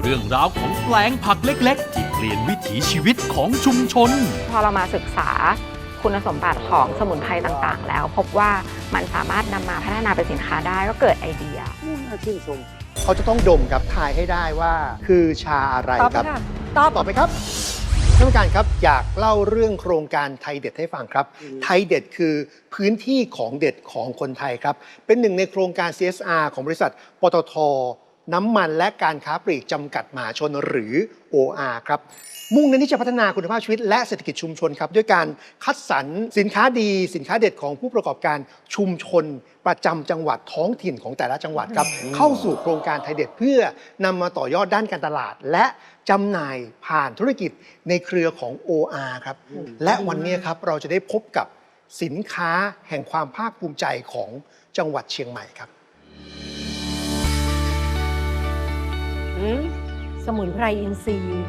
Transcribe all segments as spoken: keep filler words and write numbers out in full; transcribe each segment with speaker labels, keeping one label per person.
Speaker 1: เรื่องราวของแปลงผักเล็กๆที่เปลี่ยนวิถีชีวิตของชุมชน
Speaker 2: พอเรามาศึกษาคุณสมบัติของสมุนไพรต่างๆแล้วพบว่ามันสามารถนำมาพัฒนาเป็นสินค้าได้ก็เกิดไอเดีย
Speaker 3: น่าชื่นชมเขาจะต้องดมครับทายให้ได้ว่าคือชาอะไรครับตอบตอบไปครับท่านผู้การครับอยากเล่าเรื่องโครงการไทยเด็ดให้ฟังครับไทยเด็ดคือพื้นที่ของเด็ดของคนไทยครับเป็นหนึ่งในโครงการ ซี เอส อาร์ ของบริษัทปตท.น้ำมันและการค้าปลีกจำกัดมหาชนหรือ โอ อาร์ ครับมุ่งเน้นที่จะพัฒนาคุณภาพชีวิตและเศรษฐกิจชุมชนครับด้วยการคัดสรรสินค้าดีสินค้าเด็ดของผู้ประกอบการชุมชนประจำจังหวัดท้องถิ่นของแต่ละจังหวัดครับเข้าสู่โครงการไทยเด็ดเพื่อนำมาต่อยอดด้านการตลาดและจำหน่ายผ่านธุรกิจในเครือของ โอ อาร์ ครับและวันนี้ครับเราจะได้พบกับสินค้าแห่งความภาคภูมิใจของจังหวัดเชียงใหม่ครับ
Speaker 4: สมุนไพรอินทรีย์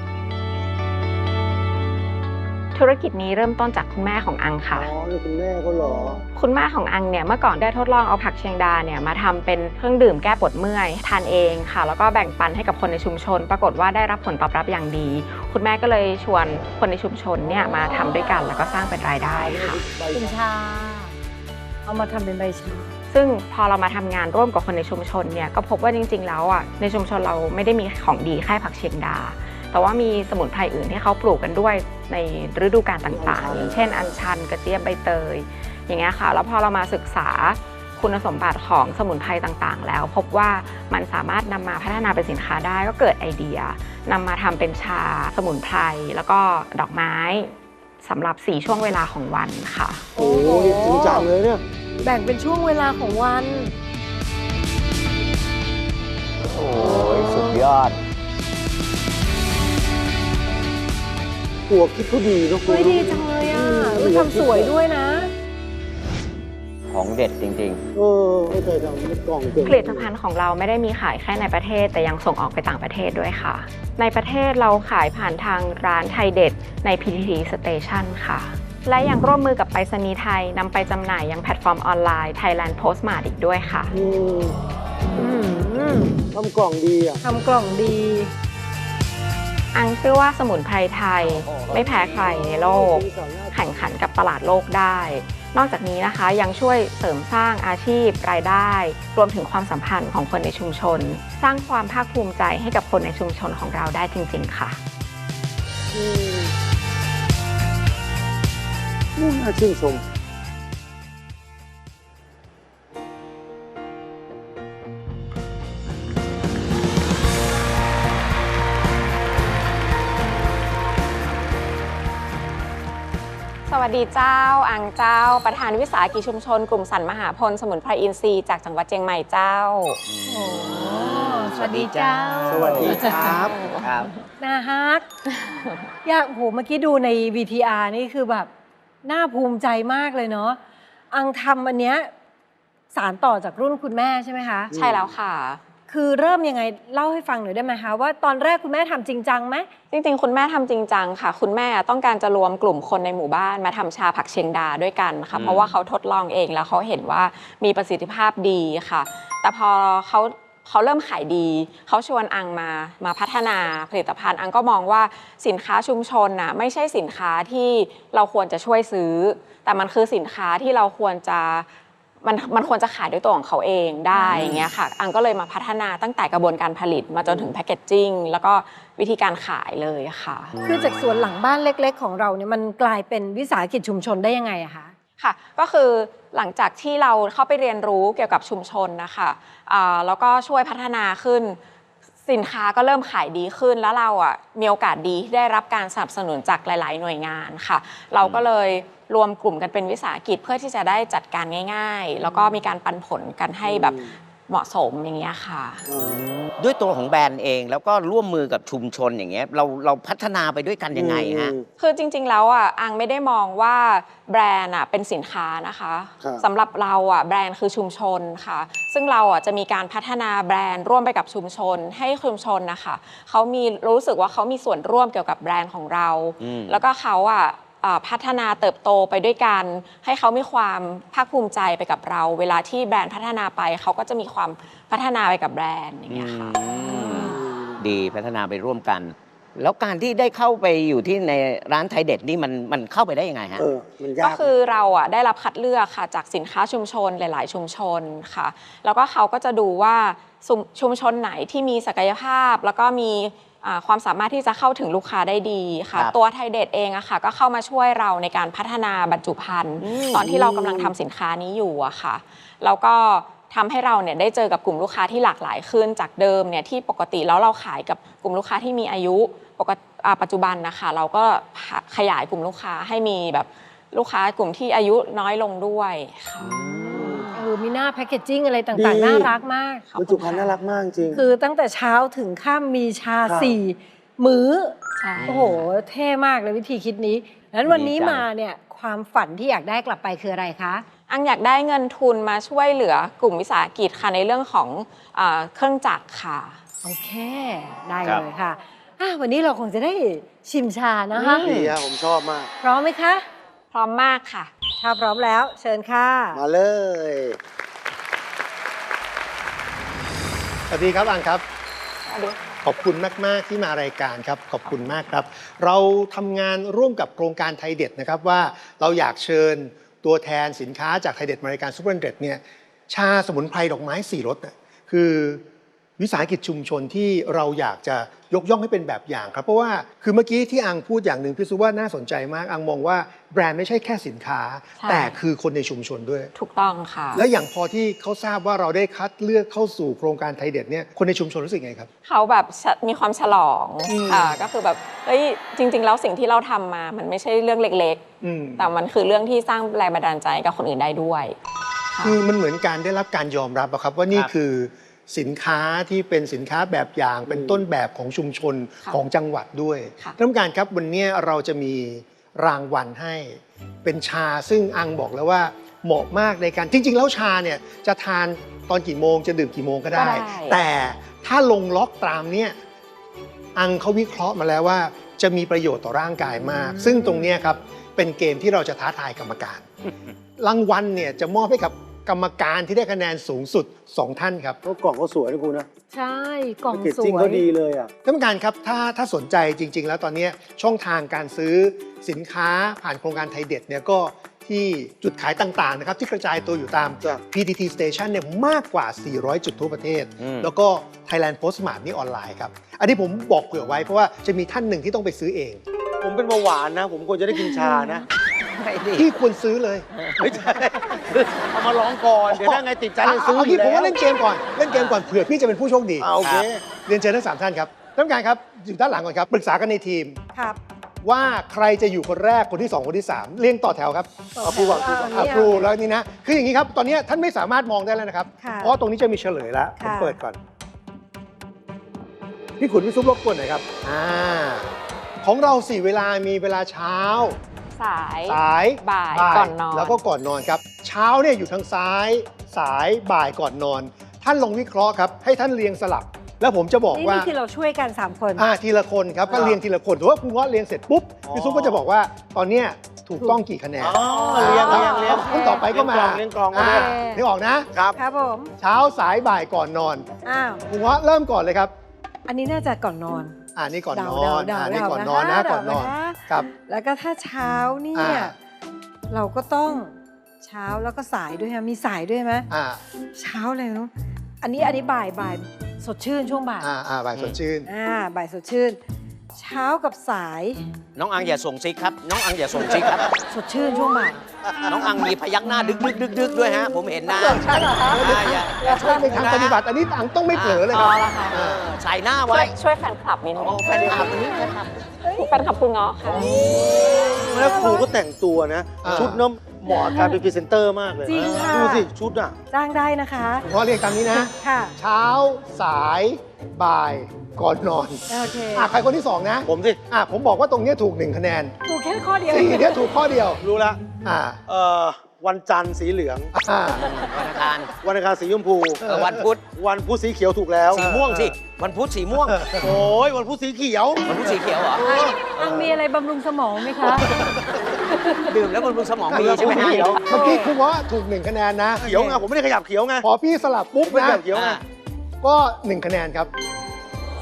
Speaker 2: ธุรกิจนี้เริ่มต้นจากคุณแม่ของอังค่ะ
Speaker 3: อ๋อนี่คุณแม่เขาเหรอ
Speaker 2: คุณแม่ของอังเนี่ยเมื่อก่อนได้ทดลองเอาผักเชียงดาเนี่ยมาทำเป็นเครื่องดื่มแก้ปวดเมื่อยทานเองค่ะแล้วก็แบ่งปันให้กับคนในชุมชนปรากฏว่าได้รับผลตอบรับอย่างดีคุณแม่ก็เลยชวนคนในชุมชนเนี่ยมาทำด้วยกันแล้วก็สร้างเป็นรายได้ค่ะ
Speaker 4: เป็นชาเอามาทำเป็นใบชา
Speaker 2: ซึ่งพอเรามาทำงานร่วมกับคนในชุมชนเนี่ยก็พบว่าจริงๆแล้วอ่ะในชุมชนเราไม่ได้มีของดีแค่ผักเชียงดาแต่ว่ามีสมุนไพรอื่นที่เขาปลูกกันด้วยในฤดูกาลต่างๆอย่างเช่นอัญชันกระเจี๊ยบใบเตยอย่างเงี้ยค่ะแล้วพอเรามาศึกษาคุณสมบัติของสมุนไพรต่างๆแล้วพบว่ามันสามารถนำมาพัฒนาเป็นสินค้าได้ก็เกิดไอเดียนำมาทำเป็นชาสมุนไพรแล้วก็ดอกไม้สำหรับสี่ช่วงเวลาของวันค่ะ
Speaker 3: โอ้โหจริงจังเลยเนี่ย
Speaker 4: แบ่งเป็นช่วงเวลาของวัน
Speaker 5: โอ้ยสุดยอด
Speaker 3: หัวคิดเขาดีนะคุณ
Speaker 4: ดีจังเลยอ่ะทำสวยด้วยนะ
Speaker 5: ของเด็ดจริง
Speaker 3: ๆเออไม่เคยทำกล่อง
Speaker 2: ผลิตภัณฑ์ของเราไม่ได้มีขายแค่ในประเทศแต่ยังส่งออกไปต่างประเทศด้วยค่ะในประเทศเราขายผ่านทางร้านไทยเด็ดใน พี ที ที Station ค่ะและยังร่วมมือกับไปรษณีย์ไทยนำไปจำหน่ายยังแพลตฟอร์มออนไลน์ Thailand Postmart อีกด้วยค่ะ
Speaker 3: ทำกล่องดีอ่ะ
Speaker 4: ทำกล่องดี
Speaker 2: อังเชื่อว่าสมุนไพรไทยไม่แพ้ใครในโลกแข่งขันกับตลาดโลกได้นอกจากนี้นะคะยังช่วยเสริมสร้างอาชีพรายได้รวมถึงความสัมพันธ์ของคนในชุมชนสร้างความภาคภูมิใจให้กับคนในชุมชนของเราได้จริงๆค่ะ
Speaker 3: น่าชื่นชม
Speaker 2: สวัสดีเจ้าอังเจ้าประธานวิสาหกิจชุมชนกลุ่มสรรมหาพลสมุนไพรอินทรีย์จากจังหวัดเชียงใหม่เจ้า
Speaker 4: โอ้สวัสดีเจ้า
Speaker 3: สวัสดีครับ
Speaker 5: ครับ
Speaker 4: น่าฮักอยากโหเมื่อกี้ดูใน วี ที อาร์ นี่คือแบบน่าภูมิใจมากเลยเนาะอังทำอันเนี้ยสานต่อจากรุ่นคุณแม่ใช่ไหมคะ
Speaker 2: ใช่แล้วค่ะ
Speaker 4: คือเริ่มยังไงเล่าให้ฟังหน่อยได้ไหมคะว่าตอนแรกคุณแม่ทำจริงจังไหม
Speaker 2: จริงๆคุณแม่ทำจริงจังค่ะคุณแม่ต้องการจะรวมกลุ่มคนในหมู่บ้านมาทำชาผักเชียงดาด้วยกันค่ะเพราะว่าเขาทดลองเองแล้วเขาเห็นว่ามีประสิทธิภาพดีค่ะแต่พอเขาเขาเริ่มขายดีเขาชวนอังมามาพัฒนาผลิตภัณฑ์อังก็มองว่าสินค้าชุมชนน่ะไม่ใช่สินค้าที่เราควรจะช่วยซื้อแต่มันคือสินค้าที่เราควรจะมันมันควรจะขายด้วยตัวของเขาเองได้อย่างเงี้ยค่ะอังก็เลยมาพัฒนาตั้งแต่กระบวนการผลิตมาจนถึงแพคเกจจิ้งแล้วก็วิธีการขายเลยค่ะ
Speaker 4: คือจากสวนหลังบ้านเล็กๆของเราเนี่ยมันกลายเป็นวิสาหกิจชุมชนได้ยังไงอะคะ
Speaker 2: ค่ะก็คือหลังจากที่เราเข้าไปเรียนรู้เกี่ยวกับชุมชนนะคะแล้วก็ช่วยพัฒนาขึ้นสินค้าก็เริ่มขายดีขึ้นแล้วเราอ่ะมีโอกาสดีที่ได้รับการสนับสนุนจากหลายๆหน่วยงานค่ะเราก็เลยรวมกลุ่มกันเป็นวิสาหกิจเพื่อที่จะได้จัดการง่ายๆแล้วก็มีการปันผลกันให้แบบเหมาะสมอย่างเงี้ยค่ะ
Speaker 5: ด้วยตัวของแบรนด์เองแล้วก็ร่วมมือกับชุมชนอย่างเงี้ยเราเราพัฒนาไปด้วยกันยังไงฮะ
Speaker 2: คือจริงๆแล้วอ่ะอังไม่ได้มองว่าแบรนด์อ่ะเป็นสินค้านะคะสำหรับเราอ่ะแบรนด์คือชุมชนค่ะซึ่งเราอ่ะจะมีการพัฒนาแบรนด์ร่วมไปกับชุมชนให้ชุมชนนะคะเขามีรู้สึกว่าเขามีส่วนร่วมเกี่ยวกับแบรนด์ของเราแล้วก็เขาอ่ะพัฒนาเติบโตไปด้วยกันให้เขามีความภาคภูมิใจไปกับเราเวลาที่แบรนด์พัฒนาไปเขาก็จะมีความพัฒนาไปกับแบรนด์อย่างเงี้ยค่ะ
Speaker 5: ดีพัฒนาไปร่วมกัน แล้วการที่ได้เข้าไปอยู่ที่ในร้านไทยเด็ดนี่มันมันเข้าไปได้ยังไงฮะ
Speaker 6: เออมันยาก
Speaker 2: ก็คือเราอ่ะได้รับคัดเลือกค่ะจากสินค้าชุมชนหลาย ๆ ชุมชนค่ะ แล้วก็เขาก็จะดูว่าชุมชุมชนไหนที่มีศักยภาพ แล้วก็มีอ่าความสามารถที่จะเข้าถึงลูกค้าได้ดีค่ะ
Speaker 5: ครับ
Speaker 2: ตัวไทยเด็ดเองอะค่ะก็เข้ามาช่วยเราในการพัฒนาบรรจุภัณฑ์ตอนที่เรากำลังทำสินค้านี้อยู่อะค่ะแล้วก็ทำให้เราเนี่ยได้เจอกับกลุ่มลูกค้าที่หลากหลายขึ้นจากเดิมเนี่ยที่ปกติแล้วเราขายกับกลุ่มลูกค้าที่มีอายุปกติอ่าปัจจุบันนะคะเราก็ขยายกลุ่มลูกค้าให้มีแบบลูกค้ากลุ่มที่อายุน้อยลงด้วยค่ะ
Speaker 4: เออมีหน้าแพคเกจจิ้งอะไรต่างๆ น่ารักมาก
Speaker 2: ขอบคุณ
Speaker 6: บรรจุภัณฑ์น่ารักมากจริง
Speaker 4: คือตั้งแต่เช้าถึงค่ำมีชา
Speaker 6: ครับ
Speaker 4: สี่มื้อ
Speaker 2: ใช่
Speaker 4: โอ้โห เท่มากเลยวิธีคิดนี้นั้นวันนี้มาเนี่ยความฝันที่อยากได้กลับไปคืออะไรคะ
Speaker 2: อังอยากได้เงินทุนมาช่วยเหลือกลุ่มวิสาหกิจค่ะในเรื่องของอาเครื่องจักรค่ะ
Speaker 4: โอเค ได้
Speaker 5: ครับ
Speaker 4: เลยค่ะอ่ะ วันนี้เราคงจะได้ชิมชานะคะ
Speaker 6: ดีอะผมชอบมาก
Speaker 4: พร้อมไหมคะ
Speaker 2: พร้อมมากค่ะ
Speaker 4: ถ้าพร้อมแล้วเชิญค่ะ
Speaker 6: มาเลย
Speaker 3: สวัสดีครับอังครับ ขอบคุณมาก ๆ ที่มารายการครับ ขอบคุณมากครับ เราทำงานร่วมกับโครงการไทยเด็ดนะครับว่าเราอยากเชิญตัวแทนสินค้าจากไทยเด็ดมารายการซูเปอร์เด็ดเนี่ยชาสมุนไพรดอกไม้สี่รสน่ะคือวิสาหกิจชุมชนที่เราอยากจะยกย่องให้เป็นแบบอย่างครับ เพราะว่าคือเมื่อกี้ที่อังพูดอย่างหนึ่งพี่ซูว่าน่าสนใจมากอังมองว่าแบรนด์ไม่ใช่แค่สินค้า
Speaker 2: ใช่
Speaker 3: แต่คือคนในชุมชนด้วย
Speaker 2: ถูกต้องค่ะ
Speaker 3: และอย่างพอที่เขาทราบว่าเราได้คัดเลือกเข้าสู่โครงการไทยเด็ดเนี่ยคนในชุมชนรู้สึกไงครับ
Speaker 2: เขาแบบฉะมีความฉลอง
Speaker 3: อืม
Speaker 2: ค่ะก็คือแบบเฮ้ยจริง ๆ แล้วสิ่งที่เราทำมามันไม่ใช่เรื่องเล็ก
Speaker 3: อืม
Speaker 2: ๆ แต่มันคือเรื่องที่สร้างแรงบันดาลใจกับคนอื่นได้ด้วยค่ะ
Speaker 3: คือมันเหมือนการได้รับการยอมรับอะครับว่านี่
Speaker 5: ครับ
Speaker 3: คือสินค้าที่เป็นสินค้าแบบอย่างเป็นต้นแบบของชุมชน
Speaker 2: ค่ะ
Speaker 3: ของจังหวัดด้วย
Speaker 2: ค่ะ
Speaker 3: ท่านผู้การครับวันนี้เราจะมีรางวัลให้ เป็นชาซึ่งอังบอกแล้วว่าเหมาะมากในการจริง ๆ แล้วชาเนี่ยจะทานตอนกี่โมงจะดื่มกี่โมงก็ได้
Speaker 2: ก็ได้
Speaker 3: แต่ถ้าลงล็อกตามเนี่ยอังเขาวิเคราะห์มาแล้วว่าจะมีประโยชน์ต่อร่างกายมาก ซึ่งตรงเนี้ยครับเป็นเกมที่เราจะท้าทายกรรมการ รางวัลเนี่ยจะมอบให้กับกรรมการที่ได้คะแนนสูงสุดสองท่านครับ
Speaker 6: ก็กล่องเขาสวยนะคุณนะ
Speaker 4: ใช่ กล่อง
Speaker 6: แพ็กเกจ
Speaker 4: ส
Speaker 6: จิ้ง
Speaker 4: ว
Speaker 6: เขา
Speaker 4: ย
Speaker 6: ดีเลยอ่ะ
Speaker 3: ท่านผู้การครับถ้าถ้าสนใจจริง ๆ แล้วตอนนี้ช่องทางการซื้อสินค้าผ่านโครงการไทยเด็ดเนี่ยก็ที่จุดขายต่างๆนะครับที่กระจายตัวอยู่ตาม
Speaker 6: จ้ะ
Speaker 3: พี ที ที Station เนี่ยมากกว่า สี่ร้อย จุดทั่วประเทศ
Speaker 5: อืม
Speaker 3: แล้วก็ Thailand Postmart นี่ออนไลน์ครับ อันนี้ผมบอกเผื่อไว้เพราะว่าจะมีท่านหนึ่งที่ต้องไปซื้อเอง
Speaker 6: ผมเป็นเบาหวานนะ ผมควรจะได้กินชานะ
Speaker 5: ไม่ดี
Speaker 3: ที่ควรซื้อเลย
Speaker 6: ไม่ใช่เอามาลองก่อน เดี๋ยวถ้าไงติดใจจะซื้อ
Speaker 3: เอา
Speaker 6: อ
Speaker 3: งี้
Speaker 6: ยู่
Speaker 3: ผม
Speaker 6: แล้ว
Speaker 3: ว่าเล่นเกมก่อนเล่นเกมก่อนเผื่อพี่จะเป็นผู้โชคดี
Speaker 6: อ่าโอเค
Speaker 3: เรียนเชิญทั้งสามท่านครับท่านผู้การครับอยู่ด้านหลังก่อนครับปรึกษากันในทีม
Speaker 4: ครับ
Speaker 3: ว่าใครจะอยู่คนแรกคนที่สองคนที่สามเรียงต่อแถวครับ
Speaker 6: เอาครูก่อนครูก่อน
Speaker 3: อ่ะครูแล้วนี่นะคืออย่างนี้ครับตอนนี้ท่านไม่สามารถมองได้แล้วนะครับ
Speaker 4: ค่ะ
Speaker 3: เพราะตรงนี้จะมีเฉลยแล้วผม
Speaker 4: ค่ะ
Speaker 3: เปิดก่อนพี่ขุนพี่ซุปรบกวนหน่อยครับอ่าของเราสี่เวลามีเวลาเช้า
Speaker 2: สาย
Speaker 3: สาย
Speaker 2: บ่ายก่อนนอน
Speaker 3: แล้วก็ก่อนนอนครับ เช้าเนี่ยอยู่ทางซ้าย สายบ่ายก่อนนอน ท่านลองวิเคราะห์ครับให้ท่านเรียงสลับ แล้วผมจะบอก
Speaker 4: นี่
Speaker 3: ว่า
Speaker 4: นี่คือเราช่วยกัน สาม คน
Speaker 3: อ่าทีละคนครับก็เรียงทีละคนถือว่าคุณเงาะเรียงเสร็จปุ๊บ
Speaker 6: อ๋อ
Speaker 3: พี่ซุปก็จะบอกว่าตอนเนี้ยถูกต้องกี่คะแนน
Speaker 6: อ๋อเรียงเรียงเรียง
Speaker 3: คนต่อไปก็มา
Speaker 6: เรียงกล่อง
Speaker 3: อ่า
Speaker 6: เรียงกล่อง
Speaker 3: นึกออกนะ
Speaker 6: ครับ
Speaker 4: ครับผม
Speaker 3: เช้าสายบ่ายก่อนนอน
Speaker 4: อ้าว
Speaker 3: คุณเงาะเริ่มก่อนเลยครับ
Speaker 4: อันนี้น่าจะก่อนนอน
Speaker 3: อ่านี่ก่อนน
Speaker 4: เดา
Speaker 3: อน
Speaker 4: เดา
Speaker 3: อ่า
Speaker 4: เดา
Speaker 3: นี่ก่อน
Speaker 4: เดาน
Speaker 3: อนนะ
Speaker 4: เดา
Speaker 3: ก่อนนอน
Speaker 4: นะคะ
Speaker 3: ครับ
Speaker 4: แล้วก็ถ้าเช้าเนี่ย
Speaker 3: อ่า
Speaker 4: เราก็ต้องเช้าแล้วก็สายด้วยฮะมีสายด้วยไหม
Speaker 3: อ่า
Speaker 4: เช้าอะไรเนาะอันนี้อันนี้บ่ายบ่ายสดชื่นช่วงบ่าย
Speaker 3: อ่าอ่าบ่ายสดชื่น
Speaker 4: อ่าบ่ายสดชื่น เช้ากับสาย
Speaker 5: น้องอังอย่าส่งซิกครับ น้องอังอย่าส่งซิกครับ
Speaker 4: สดชื่นช่วงบ่าย
Speaker 5: น้องอังมีพยักหน้าดึกดึกดึกดึกด้วยฮะ ผมเห็นนะ
Speaker 2: ใช่เหรอคะ
Speaker 5: อ่าอย่าอย่า
Speaker 3: ช่วยในทางปฏิบัติอันนี้อังต้องไม่เผลอเลย
Speaker 2: อ๋
Speaker 3: ค
Speaker 2: อ
Speaker 3: รับ
Speaker 2: เหรอคะ
Speaker 5: เออใส่หน้า
Speaker 2: ช่ว
Speaker 5: ไว้
Speaker 2: ยช่วยแฟนคลับนิดนึง
Speaker 5: โอ้แฟนคลับนี่แฟนคลับ
Speaker 2: แฟนคลับคุณเงาะค่ะ
Speaker 6: แล้วครูก็แต่งตัวนะ
Speaker 3: อ่า
Speaker 6: ชุดเน้ำเหมาะกับการเป็นพรีเซนเตอร์มากเลย
Speaker 4: จริงค่ะ
Speaker 6: ดูสิ ชุดอ่ะ
Speaker 4: จ้างได้นะคะ
Speaker 3: คุณเงาะเรียงตามนี้นะ
Speaker 4: ค่ะ
Speaker 3: เช้าสายบ่ายก่อนนอน
Speaker 4: โอเค
Speaker 3: อ่ะใครคนที่สองนะ
Speaker 6: ผมสิ
Speaker 3: อ่ะผมบอกว่าตรงเนี้ยถูกหนึ่งคะแนน
Speaker 4: ถูกแค่ข้อเดียว
Speaker 3: สี่เนี่ยถูกข้อเดียว
Speaker 6: รู้ละ
Speaker 3: อ่า
Speaker 6: เอ่อวันจันทร์สีเหลือง
Speaker 3: อ่า
Speaker 5: วันอังคาร
Speaker 6: วันอังคารสีชมพู
Speaker 5: เออวันพุธ
Speaker 6: วันพุธสีเขียวถูกแล้ว
Speaker 5: สีม่วงสิ วันพุธสีม่วง
Speaker 6: โอ้ยวันพุธสีเขียว
Speaker 5: วันพุธสีเขียวเหรอ
Speaker 4: อังมีอะไรบำรุงสมองไหมคะ
Speaker 5: ดื่มแล้วบำรุงสมองมีใช่ไหมฮะ
Speaker 6: เขียว
Speaker 3: เมื่อกี้คุณเงาะถูกหนึ่งคะแนนนะ
Speaker 6: เขียวไงผมไม่ได้ขยับเขียวไง
Speaker 3: พอพี่สลับปุ๊บ
Speaker 6: ไม่ได้
Speaker 3: นะ
Speaker 6: ขยับเขียวไง
Speaker 5: อ่า
Speaker 3: ก็หนึ่งคะแนนครับ
Speaker 4: ส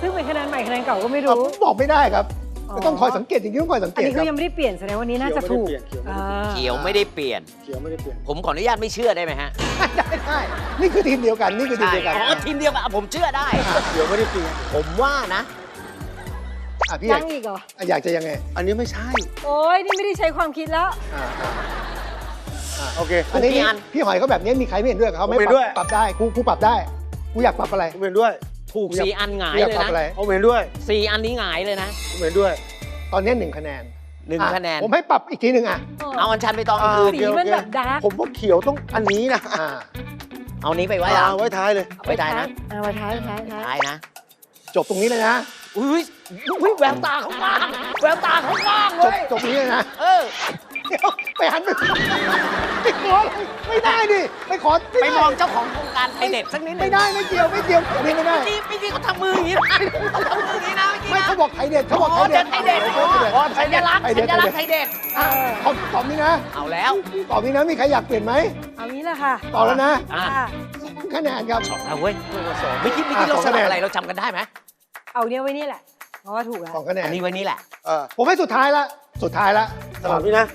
Speaker 4: ซึ่งเป็นคะแนนใหม่คะแนนเก่าก็ไม่
Speaker 3: อ่ะ
Speaker 4: รู้
Speaker 3: บอกไม่ได้ครับ
Speaker 4: อ๋อ
Speaker 3: ก็ต้องคอยสังเกตอย่างนี้ต้องคอยสังเก
Speaker 4: อัน
Speaker 3: ต
Speaker 4: นี้
Speaker 3: ค
Speaker 4: ก็
Speaker 3: รับ
Speaker 4: ยังไม่ได้เปลี่ยนแสดงว่านี้น่าจะถูก
Speaker 6: เขียวไม่ได้เปลี่ยนเขียวไม่ได้เปลี่ยน
Speaker 5: เขียวไม่ได้เปลี่ยน
Speaker 6: เขียวไม่ได้เปลี่ยน
Speaker 5: ผมขออนุญาตไม่เชื่อได้ไหมฮะ
Speaker 3: ได้ได้นี่คือทีมเดียวกันนี่คือทีม
Speaker 5: ใช่
Speaker 3: เดียวกัน
Speaker 5: อ๋อทีมเดียวกันอ่ะผมเชื่อได้
Speaker 6: เขียวไม่ได้เปลี่ยน
Speaker 5: ผมว่านะ
Speaker 3: อ่ะพี่อ
Speaker 4: ยั
Speaker 3: ยาก
Speaker 4: งอีกเหรอ
Speaker 3: อ่ะอยากจะยังไง
Speaker 6: อันนี้ไม่ใช่
Speaker 4: โอ้ยนี่ไม่ได้ใช้ความคิดแล้ว
Speaker 3: อ่าอ่าอ่า
Speaker 6: โอเค
Speaker 3: อันนี้
Speaker 5: พี่อัน
Speaker 3: พี่หอยเขาแบบนี้มีใครไม่เห็นด้วยกับเขาไหม่
Speaker 6: ผมเห็นด้วย
Speaker 3: ปรับได้กูกูปรับได้กูอยากปรับอะไร
Speaker 6: ผมเห็นด้วย
Speaker 5: ถูกสี่อันหงาย
Speaker 3: กูอยาก
Speaker 5: เลย
Speaker 3: ปรับ
Speaker 5: นะ
Speaker 3: อะไร
Speaker 6: ผมเห็นด้วย
Speaker 5: สี่อันนี้หงายเลยนะ
Speaker 6: ผมเห็นด้วย
Speaker 3: ตอนนี้หนึ่งคะแนน
Speaker 5: หนึ่ง
Speaker 3: อ่
Speaker 5: คะแนน
Speaker 3: ผมให้ปรับอีกทีหนึ่งอ่ะ
Speaker 5: เอาอันชันไปตอง
Speaker 6: อ่า
Speaker 5: คืน
Speaker 4: สีมันแบบดาร์ก
Speaker 6: ผมว่าเขียวต้องอันนี้นะ
Speaker 3: อ่า
Speaker 5: เอานี้ไปไว้
Speaker 6: อ่า
Speaker 5: อะ
Speaker 6: ไว้ท้ายเลย
Speaker 5: ไว้ท้ายนะ
Speaker 4: เอาไว้ท้ายท้ายท้าย
Speaker 5: ท้ายนะ
Speaker 3: จบตรงนี้เลยนะ
Speaker 5: อุ้ยอุ้ยแววตาเขากว้างแววตาเขากว้าง
Speaker 3: จ
Speaker 5: เล
Speaker 3: บ
Speaker 5: ย
Speaker 3: จบตรงนี้เลยนะ
Speaker 5: เออ
Speaker 3: เดี๋ยวไปหันไปไปขอไม่ได้ดิไปขอ
Speaker 5: ไปมองเจ้าของโครงการไทยเด็ดสักนิดหนึ
Speaker 3: ไม่
Speaker 5: ง
Speaker 3: ได้ไม่เกี่ยวไม่เกี่ยวอันนี้ไม่ได้
Speaker 5: เมื่อกี้เมื่อกี้เขาทำมืออย่างนี้นะเขาทำมืออย่างนี้นะเมื่อกี้
Speaker 3: ไม่
Speaker 5: นะ
Speaker 3: เขาบอกไทยเด็ดเขาบอก
Speaker 5: อ๋อ
Speaker 3: ไทยเด็ด
Speaker 5: ไทยเด็ด
Speaker 3: เขาบอกไทยเด็ด
Speaker 5: อ๋อสัญลักษณ์
Speaker 3: ไทยเด็
Speaker 5: สั
Speaker 3: ด
Speaker 5: ญลักษณ์ไทยเด็ด
Speaker 3: อ่ะเขาตอบนี้นะ
Speaker 5: เอาแล้ว
Speaker 3: ตอบนี้นะมีใครอยากเปลี่ยนไหม
Speaker 4: เอางี้แหละค่ะ
Speaker 3: ตอบแล้วนะ
Speaker 5: อ่ะ
Speaker 4: ค่ะ
Speaker 3: สองคะแนนครับ
Speaker 5: เอาเว้ยไม่คิดไม่คิด
Speaker 3: อ่ะ
Speaker 5: เรา
Speaker 3: สอง
Speaker 5: ส
Speaker 3: คะแน
Speaker 5: ลับ
Speaker 3: น
Speaker 5: อะไรเราจำกันได้ไหม
Speaker 4: เอาเนี้ยไว้นี่แหละ เพราะว่าถูกแล้ว
Speaker 3: สองคะแนน
Speaker 5: อันนี้ไว้นี่แหละ
Speaker 6: เออ
Speaker 3: ผมให้สุดท้ายละสุดท้ายละ
Speaker 6: สลับนี่นะ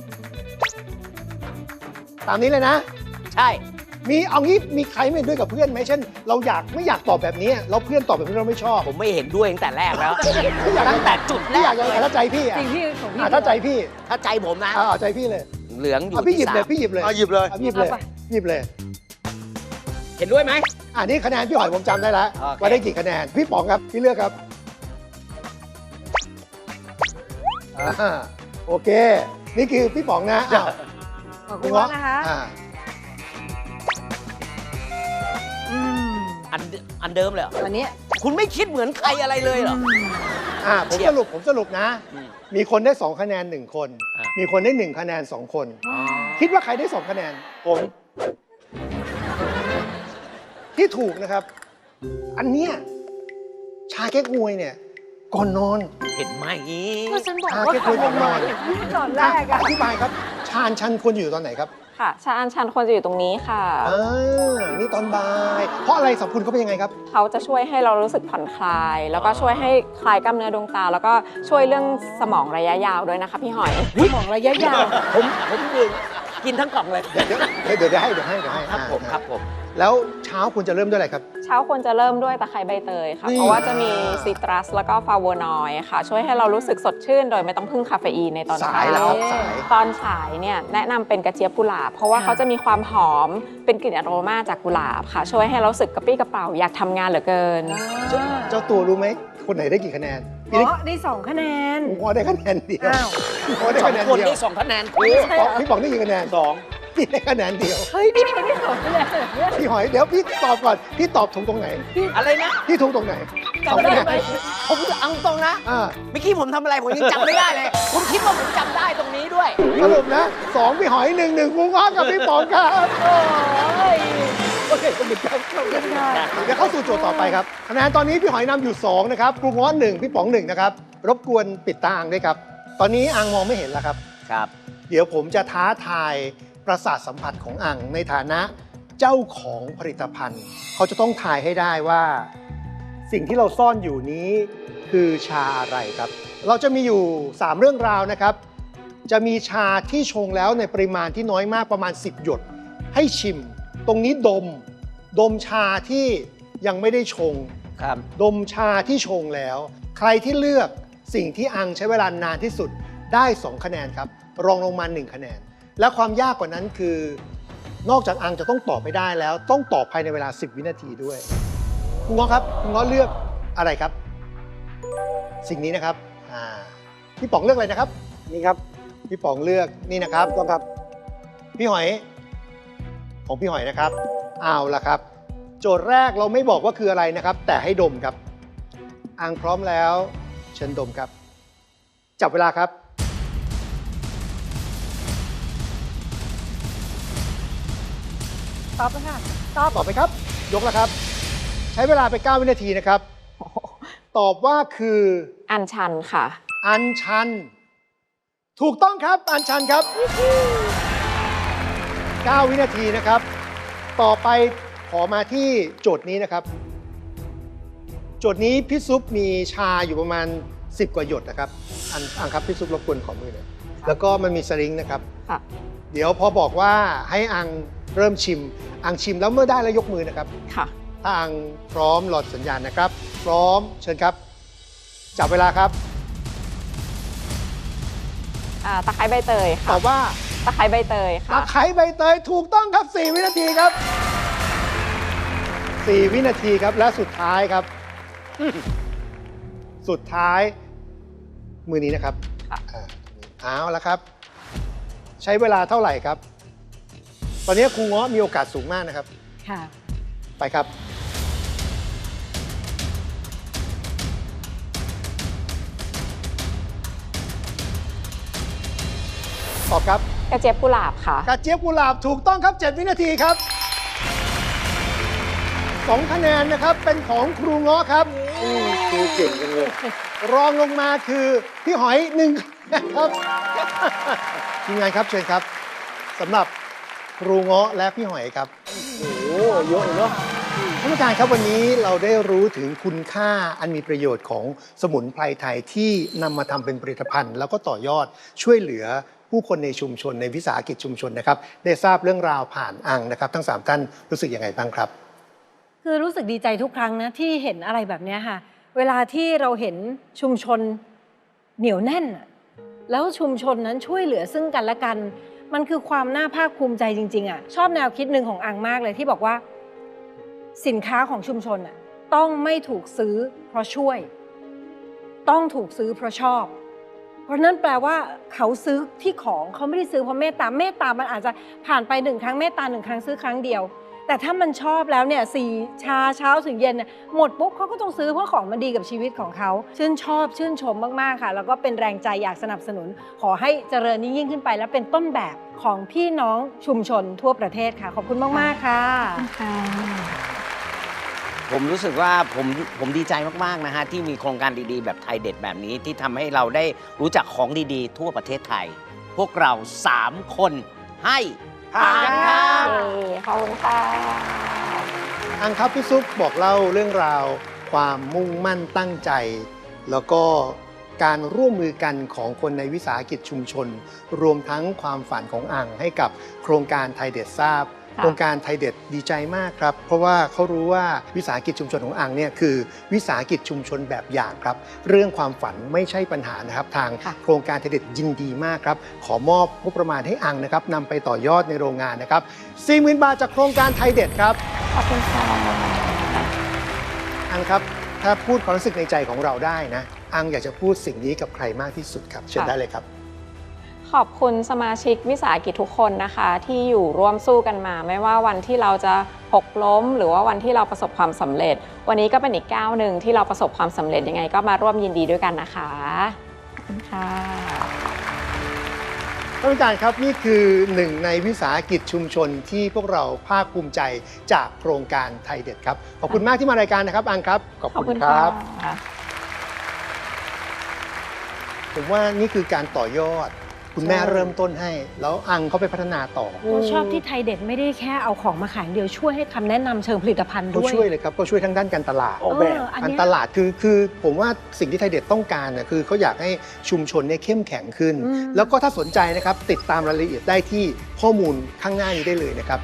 Speaker 3: ตามนี้เลยนะ
Speaker 5: ใช่
Speaker 3: มีเอางี้มีใครไม่เห็นด้วยกับเพื่อนไหมเช่น เราอยากไม่อยากตอบแบบนี้เราเพื่อนตอบแบบนี้เราไม่ชอบ
Speaker 5: ผมไม่เห็นด้วยตั้งแต่แรกแล้ว
Speaker 3: ไม่อยาก
Speaker 5: ตั้งแต่จุดแร
Speaker 3: พี่อยาก ก
Speaker 5: เล
Speaker 3: จะ
Speaker 5: ย
Speaker 3: ถ้าใจพี่อ่ะ
Speaker 4: จริงพี่ของพี่
Speaker 3: อ่ะถ้าใจพี่
Speaker 5: ถ้าใจผมนะ
Speaker 3: อ่ะเอาใจพี่เลย
Speaker 5: เหลืองอยู่
Speaker 3: อ่ะพี่หยิ
Speaker 5: ที่
Speaker 3: บเลย
Speaker 5: สาม
Speaker 3: พี่หยิบเลย
Speaker 6: เอาหยิบเลย
Speaker 3: อ่ะหยิบเลยหยิบเลย
Speaker 5: เห็นด้วยไหม
Speaker 3: อันนี้คะแนนพี่หอยผมจำได้แล้ว
Speaker 5: โอเค
Speaker 3: ว่าได้กี่คะแนนพี่ป๋องครับพี่เลือกครับอ่าโอเค นี่คือพี่ป๋องนะอ้าว
Speaker 4: ขอบคุณมากนะคะ
Speaker 3: อ่า
Speaker 4: อืม
Speaker 5: อันอันเดิมเลยเหรอ
Speaker 4: วันนี้
Speaker 5: คุณไม่คิดเหมือนใครอะไรเลยเหรอ
Speaker 3: อ่าผม
Speaker 5: เฉีย
Speaker 3: ส
Speaker 5: บ
Speaker 3: รุปผมสรุปนะ
Speaker 5: อืม
Speaker 3: มีคนได้สองคะแนนหนึ่งคน
Speaker 5: อ่ะ
Speaker 3: มีคนได้หนึ่งคะแนนสองคน คิดว่าใครได้สองคะแนน
Speaker 6: ผม
Speaker 3: ที่ถูกนะครับ อันเนี้ยชาเก๊กฮวยเนี่ย ก่อนนอน
Speaker 5: เห็นไหม
Speaker 4: ก็ฉันบอก
Speaker 3: อ่ะ
Speaker 4: ว่า
Speaker 3: แค่คุ
Speaker 4: ขับ
Speaker 3: ย
Speaker 4: อ
Speaker 3: กั
Speaker 4: อบ กมา
Speaker 3: น้อย
Speaker 4: อย่างนี้ตอนแรกอะ
Speaker 3: อธิบายครับ ชาญชันควรอยู่ตอนไหนครับ
Speaker 2: ค่ะ ชาอันชันควรจะอยู่ตรงนี้ค่ะ
Speaker 3: อ่านี่ตอนบ่าย เพราะอะไรสรรพคุณเขาเป็นยังไงครับ
Speaker 2: เขาจะช่วยให้เรารู้สึกผ่อนคลาย แล้วก็ช่วยให้คลายกล้ามเนื้อดวงตา แล้วก็ช่วยเรื่องสมองระยะยาวด้วยนะคะพี่หอย
Speaker 4: มองระยะยาว
Speaker 5: ผมผมดื่มกินทั้งกล่องเลย
Speaker 3: เดี๋ยวเดี๋ยวเดี๋ยวเดี๋ยวให้เดี๋ยวให้เดี๋ยวให้
Speaker 5: ครับผม
Speaker 3: อ่า
Speaker 5: ครับผม
Speaker 3: แล้วเช้าคุณจะเริ่มด้วยอะไรครับ
Speaker 2: เช้าควรจะเริ่มด้วยตะไคร้ใบเตยค่ะ
Speaker 3: นี่
Speaker 2: เพราะว่าจะมีซิตรัสแล้วก็ฟลาโวนอยด์ค่ะ ช่วยให้เรารู้สึกสดชื่น โดยไม่ต้องพึ่งคาเฟอีนในตอน
Speaker 3: สา
Speaker 2: เช้า
Speaker 3: ยแล้วครับสาย
Speaker 2: ตอนสายเนี่ยแนะนำเป็นกระเจี๊ยบกุหลาบ เพราะว่าเขาจะมีความหอมเป็นกลิ่นอโรมาจากกุหลาบค่ะ ช่วยให้เรารู้สึกกระปรี้กระเป๋าอยากทำงานเหลือเกิน
Speaker 3: เจ้าเจ้าตัวรู้ไหม คนไหนได้กี่คะแนน
Speaker 4: อ๋
Speaker 3: พี่
Speaker 4: อได้สองคะแนน
Speaker 3: ผมว่าได้คะแนนเดียว
Speaker 4: อ้าว
Speaker 3: ผมว่าได้
Speaker 5: สอง
Speaker 3: คะแนน
Speaker 5: คน
Speaker 3: เดียว
Speaker 5: ได้สองคะแนนครู
Speaker 4: ไม่ใช่เหรอ
Speaker 3: พี่ป๋องได้กี่คะแนน
Speaker 6: สอง
Speaker 3: พี่ได้คะแนนเดียว
Speaker 4: เฮ้ยนี่มันได้สองคะแนนเนี่ย
Speaker 3: พี่หอยเดี๋ยวพี่ตอบก่อน พี่ตอบถูกตรงไหน
Speaker 5: อะไรนะ
Speaker 3: พี่ถูกตรงไหน
Speaker 4: จำได้ไหม
Speaker 5: ผมเอาตรงนะ
Speaker 3: อ่า
Speaker 5: เมื่อกี้ผมทำอะไรผมยังจำไม่ได้เลย คุณคิดว่าผมจำได้ตรงนี้ด้วย
Speaker 3: สรุปนะสองพี่หอยหนึ่งหนึ่งคุณง้อกับพี่ป๋องครับ
Speaker 4: โอ้ย
Speaker 3: โอเคขอบคุณครับ
Speaker 4: ขอบคุณค่ะ
Speaker 3: เดี๋ยวเข้าสู่โจทย์ต่อไปครับคะแนนตอนนี้พี่หอยนำอยู่สองนะครับครูง้อหนึ่งพี่ป๋องหนึ่งนะครับรบกวนปิดตาอ่างด้วยครับ ตอนนี้อ่างมองไม่เห็นแล้วครับ
Speaker 5: ครับ
Speaker 3: เดี๋ยวผมจะท้าทายประสาทสัมผัสของอ่างในฐานะเจ้าของผลิตภัณฑ์ เขาจะต้องทายให้ได้ว่า สิ่งที่เราซ่อนอยู่นี้คือชาอะไรครับ เราจะมีอยู่สามเรื่องราวนะครับ จะมีชาที่ชงแล้วในปริมาณที่น้อยมากประมาณสิบหยดให้ชิม ตรงนี้ดม ดมชาที่ยังไม่ได้ชง
Speaker 5: ครับ
Speaker 3: ดมชาที่ชงแล้ว ใครที่เลือกสิ่งที่อังใช้เวลานานที่สุดได้สองคะแนนครับ รองลงมาหนึ่งคะแนน และความยากกว่านั้นคือ นอกจากอังจะต้องตอบไปได้แล้ว ต้องตอบภายในเวลาสิบวินาทีด้วยคุณง้อครับคุณง้อเลือกอะไรครับ สิ่งนี้นะครับอ่าพี่ป๋องเลือกอะไรนะครับ
Speaker 6: นี่ครับ
Speaker 3: พี่ป๋องเลือกนี่นะครับ
Speaker 6: ต้องครับ
Speaker 3: พี่หอย ของพี่หอยนะครับเอาละครับ โจทย์แรกเราไม่บอกว่าคืออะไรนะครับ แต่ให้ดมครับอังพร้อมแล้ว เชิญดมครับ จับเวลาครับ
Speaker 4: ตอบแล้วค่ะตอบ
Speaker 3: ตอบไปครับ ยกแล้วครับ ใช้เวลาไปเก้าวินาทีนะครับ ตอบว่าคือ
Speaker 2: อันชันค่ะ
Speaker 3: อัญชัน ถูกต้องครับอัญชันครับเก้าวินาทีนะครับ ต่อไปขอมาที่โจทย์นี้นะครับ โจจทย์นี้พี่ซุปมีชาอยู่ประมาณสิบกว่าหยดนะครับอันอังครับพี่ซุปรบกวนขอมือหน่อยแล้วก็มันมีสลิงนะครับ
Speaker 2: ค่ะ
Speaker 3: เดี๋ยวพอบอกว่าให้อังเริ่มชิม อังชิมแล้วเมื่อได้แล้วยกมือนะครับ
Speaker 2: ค่ะ
Speaker 3: ถ้าอังพร้อมหลอดสัญญาณนะครับ พร้อมเชิญครับ จับเวลาครับ
Speaker 2: อ่าตะไคร้ใบเตย
Speaker 3: ต
Speaker 2: ค่ะ
Speaker 3: อบว่า
Speaker 2: ตะไคร้ใบเตย
Speaker 3: ตะ
Speaker 2: ค่ะ
Speaker 3: ไคร้ใบเตยถูกต้องครับสี่วินาทีครับสี่วินาทีครับและสุดท้ายครับ สุดท้ายมือนี้นะครับ
Speaker 2: ค่ะ
Speaker 3: อ่าเอาละครับ ใช้เวลาเท่าไหร่ครับ ตอนนี้ครูเงาะมีโอกาสสูงมากนะครับ
Speaker 4: ค่ะ
Speaker 3: ไปครับ ตอบครับ
Speaker 2: กระเจี๊ยบกุหลาบค่ะ
Speaker 3: กระเจี๊ยบกุหลาบถูกต้องครับ เจ็ด วินาทีครับสองคะแนนนะครับ เป็นของครูเงาะครับ
Speaker 6: ครูเก่งจังเลย
Speaker 3: รองลงมาคือพี่หอยหนึ่งคะแนนครับ ทีมงานครับเชิญครับสำหรับครูเงาะและพี่หอยครับ
Speaker 6: โอ้โหเยอะเนาะ
Speaker 3: ท่านผู้การครับวันนี้เราได้รู้ถึงคุณค่าอันมีประโยชน์ของสมุนไพรไทยที่นำมาทำเป็นผลิตภัณฑ์ แล้วก็ต่อยอดช่วยเหลือผู้คนในชุมชนในวิสาหกิจชุมชนนะครับได้ทราบเรื่องราวผ่านอังนะครับ ทั้งสามท่านรู้สึกยังไงบ้างครับ
Speaker 4: คือรู้สึกดีใจทุกครั้งนะที่เห็นอะไรแบบเนี้ยค่ะ เวลาที่เราเห็นชุมชนเหนียวแน่นอะแล้วชุมชนนั้นช่วยเหลือซึ่งกันและกัน มันคือความน่าภาคภูมิใจจริงๆอ่ะชอบแนวคิดหนึ่งของอังมากเลยที่บอกว่าสินค้าของชุมชนอ่ะต้องไม่ถูกซื้อเพราะช่วย ต้องถูกซื้อเพราะชอบ เพราะนั่นแปลว่าเขาซื้อที่ของเขาไม่ได้ซื้อเพราะเมตตาเมตตามันอาจจะผ่านไปหนึ่งครั้งเมตตาหนึ่งครั้งซื้อครั้งเดียว แต่ถ้ามันชอบแล้วเนี่ยสี่ชาเช้าถึงเย็นเนี่ยหมดปุ๊บเขาก็ต้องซื้อเพราะของมันดีกับชีวิตของเขาชื่นชอบชื่นชมมากๆค่ะแล้วก็เป็นแรงใจอยากสนับสนุน ขอให้เจริญยิ่งขึ้นไปและเป็นต้นแบบของพี่น้องชุมชนทั่วประเทศค่ะขอบคุณมากๆค่ะ
Speaker 5: ผมรู้สึกว่าผมผมดีใจมากๆนะฮะที่มีโครงการดีๆ แบบไทยเด็ดแบบนี้ที่ทำให้เราได้รู้จักของดีๆ ทั่วประเทศไทย พวกเราสามคนให้ผ่านครับ
Speaker 2: ขอบคุณค่ะ
Speaker 3: อังครับพี่ซุปบอกเล่าเรื่องราว ความมุ่งมั่นตั้งใจ แล้วก็การร่วมมือกันของคนในวิสาหกิจชุมชน รวมทั้งความฝันของอังให้กับโครงการไทยเด็ดทราบ
Speaker 2: ค่ะ
Speaker 3: โครงการไทยเด็ดดีใจมากครับ เพราะว่าเขารู้ว่าวิสาหกิจชุมชนของอังเนี่ยคือวิสาหกิจชุมชนแบบอย่างครับ เรื่องความฝันไม่ใช่ปัญหานะครับ ทาง
Speaker 2: ค่ะ
Speaker 3: โครงการไทยเด็ดยินดีมากครับ ขอมอบงบประมาณให้อังนะครับนำไปต่อยอดในโรงงานนะครับ สี่หมื่น บาทจากโครงการไทยเด็ดครับ
Speaker 2: ขอบคุณค่ะ
Speaker 3: อังครับ ถ้าพูดความรู้สึกในใจของเราได้นะ อังอยากจะพูดสิ่งนี้กับใครมากที่สุดครับ เชิญได้เลยครับ
Speaker 2: ขอบคุณสมาชิกวิสาหกิจทุกคนนะคะ ที่อยู่ร่วมสู้กันมา ไม่ว่าวันที่เราจะหกล้ม หรือว่าวันที่เราประสบความสำเร็จ วันนี้ก็เป็นอีกก้าวหนึ่งที่เราประสบความสำเร็จยังไง ก็มาร่วมยินดีด้วยกันนะคะขอบคุณค่ะ
Speaker 3: ท่านผู้การครับนี่คือหนึ่งในวิสาหกิจชุมชนที่พวกเราภาคภูมิใจจากโครงการไทยเด็ดครับขอบคุณมากที่มารายการนะครับอังครับขอบ
Speaker 2: ขอบ
Speaker 3: คุ
Speaker 2: คุณ ณ
Speaker 3: ค
Speaker 2: ค่ะ
Speaker 3: รับ ผมว่านี่คือการต่อยอด คุณแม่เริ่มต้นให้ แล้วอังเขาไปพัฒนาต่อ
Speaker 4: ก็ชอบที่ไทยเด็ดไม่ได้แค่เอาของมาขายอย่างเดียวช่วยให้คำแนะนำเชิงผลิตภัณฑ์
Speaker 3: เขา
Speaker 4: ด้วย
Speaker 3: ช่วยเลยครับเขาช่วยทั้งด้านการตลาด
Speaker 6: ออกแบบ
Speaker 4: เอออัน
Speaker 3: การ
Speaker 4: เนี้ย
Speaker 3: ตลาดคือคือผมว่าสิ่งที่ไทยเด็ดต้องการน่ะคือเขาอยากให้ชุมชนเนี่ยเข้มแข็งขึ้น
Speaker 4: อืม
Speaker 3: แล้วก็ถ้าสนใจนะครับติดตามรายละเอียดได้ที่ข้อมูลข้างหน้านี้ได้เลยนะครับ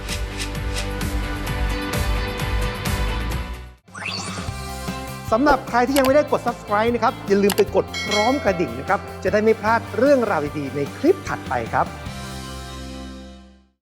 Speaker 3: สำหรับใครที่ยังไม่ได้กด ซับสไครบ์ นะครับ อย่าลืมไปกดพร้อมกระดิ่งนะครับ จะได้ไม่พลาดเรื่องราวดีๆในคลิปถัดไปครับ